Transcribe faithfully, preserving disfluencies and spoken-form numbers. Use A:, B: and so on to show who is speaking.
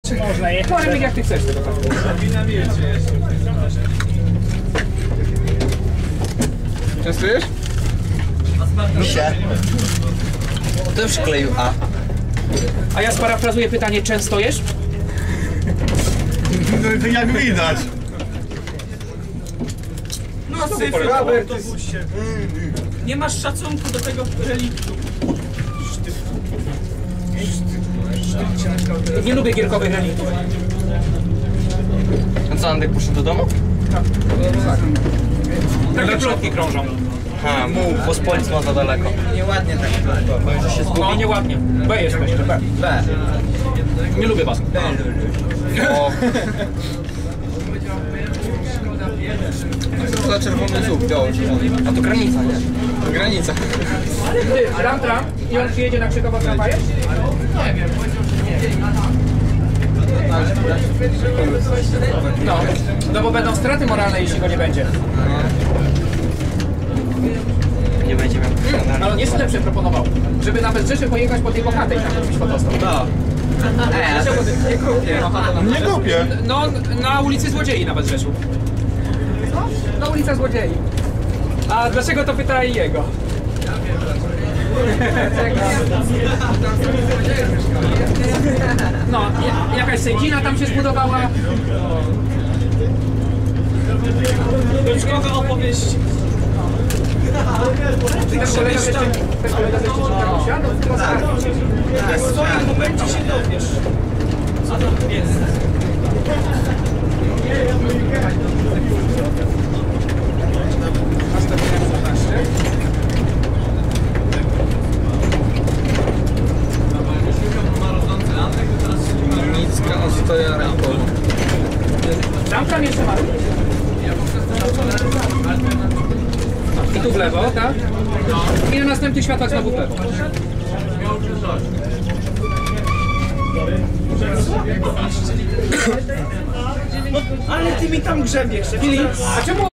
A: Można jechać. Może jak ty chcesz tego tak.
B: Częstujesz?
C: Misia. Kto przykleił A?
A: A ja sparafrazuję pytanie, często jesz?
B: No to jak widać.
D: No syfy w autobusie. Nie masz szacunku do tego reliktu.
A: Nie lubię gierkowych reliktów.
C: A co, Andek poszedł do domu?
A: Takie plotki krążą.
C: Ha, mów, bo z Polic ma za daleko. Nieładnie tak. Bo że się zgubi.
A: No nieładnie. B jesteście, B.
C: B.
A: Nie lubię was.
C: O. Co to za czerwony zub? Biały. A to granica, nie? To granica.
A: Ty, tram, tram i on przyjedzie na Krzykowo tramwajem? Nie wiem. No, no bo będą straty moralne, jeśli go nie będzie.
C: Nie będzie miał.
A: Ale on jeszcze lepsze proponował, żeby na Rzeszy pojechać po tej bohatej tam robić fotostop.
C: No. Ej, nie kupię.
B: Nie kupię.
A: No, na ulicy Złodziei na Rzeszu. Na ulica Złodziei. A dlaczego to pyta i jego? No, jakaś sędzina tam się zbudowała.
D: Beczkowe opowieści.
A: Ten kolega ze Szczecina, ten kolega ze Szczecina usiadł, tylko skargi.
D: W swoim momencie się dowiesz. Co to jest?
C: Nicka ostoja ręką.
A: Tam tam jeszcze ma. I tu w lewo, tak? I na następnych światłach znowu w lewo.
D: Ale ty mi tam grzebiesz.
A: Filip, a czemu